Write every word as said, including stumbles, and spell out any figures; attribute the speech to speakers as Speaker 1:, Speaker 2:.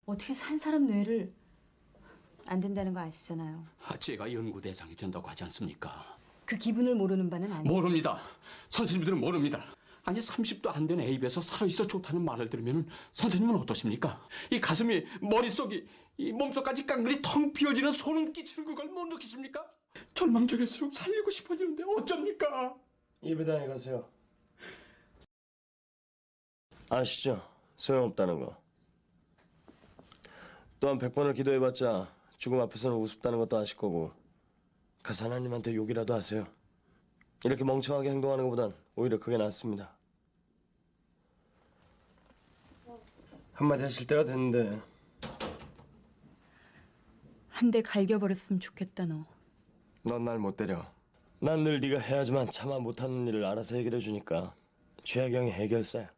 Speaker 1: 어떻게 산 사람 뇌를 안 된다는 거 아시잖아요.
Speaker 2: 아, 제가 연구 대상이 된다고 하지 않습니까?
Speaker 1: 그 기분을 모르는 바는 아니에요.
Speaker 2: 모릅니다. 선생님들은 모릅니다. 아니 삼십도 안 된 애입에서 살아있어 좋다는 말을 들으면 선생님은 어떠십니까? 이 가슴이 머릿속이 이 몸속까지 깡그리 텅 비어지는 소름 끼치는 그걸 못 느끼십니까? 절망적일수록 살리고 싶어지는데 어쩝니까?
Speaker 3: 예배당에 가세요. 아시죠? 소용없다는 거. 또한 백 번을 기도해봤자 죽음 앞에서는 우습다는 것도 아실 거고 가서 하나님한테 욕이라도 하세요. 이렇게 멍청하게 행동하는 것보단 오히려 그게 낫습니다. 한마디 하실 때가 됐는데.
Speaker 1: 한 대 갈겨버렸으면 좋겠다 너.
Speaker 3: 넌 날 못 때려. 난 늘 네가 해야지만 차마 못하는 일을 알아서 해결해 주니까 최하경이 해결사야.